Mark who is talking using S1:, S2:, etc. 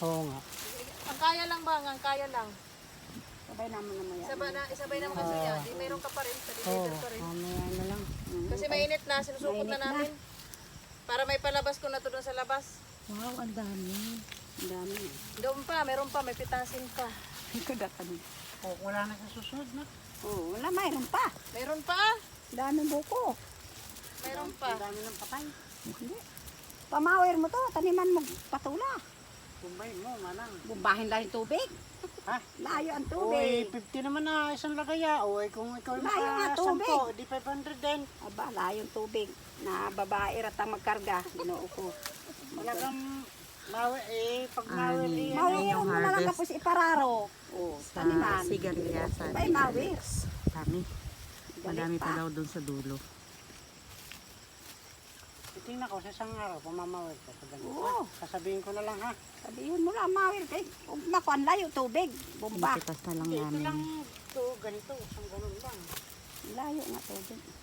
S1: Oo nga.
S2: Ang kaya lang ba? Ang kaya lang.
S3: Sabay naman naman yan.
S2: Isabay naman kasi yan. Di mayroon ka pa rin. Sa
S1: Oo,
S2: deliver pa rin.
S1: mamaya na lang.
S2: Kasi mainit na. Sinusukot na
S3: Mainit na.
S2: namin. Para may palabas ko na to doon sa labas.
S3: Wow, ang dami. Ang dami.
S2: Doon pa. Meron pa. May pitasin pa.
S3: Kagatan.
S1: Oh, wala na sa susunod na.
S3: Oo, wala, mayroon pa.
S2: Meron pa.
S3: Ang daming buko.
S2: Meron pa.
S1: Ang dami ng patay.
S3: Hindi. Pamawir mo to, taniman mo patula.
S1: Kumbay mo, manang.
S3: Bumbahin lang yung tubig.
S1: Ha?
S3: Layo ang
S1: Uy,
S3: tubig.
S1: 50 naman na isang lagaya. Uy, kung ikaw yung
S3: Layo nga, tubig.
S1: 10, di 500 din.
S3: Aba, layo yung tubig. Na babae ratang magkarga. Ginoo ko.
S1: Talagang pag mawir eh.
S3: Mawiran mo na lang tapos ipararo. Oo,
S4: Sa
S3: taniman.
S4: sigarilyas.
S3: Bay, mawir.
S4: Dami. Madami
S3: Galit
S4: pa daw doon sa dulo.
S1: Titingnan ko sa isang araw, pamamawir ko. Sa ganito.
S3: Oo.
S1: Sasabihin ko na lang ha.
S3: Sabihin mo lang, mawir. Kay, makuan layo tubig. Bumba.
S4: Pinipitas na lang
S1: Ito
S4: namin.
S1: lang, ito, ganito, isang ganun lang.
S3: Layo nga tubig.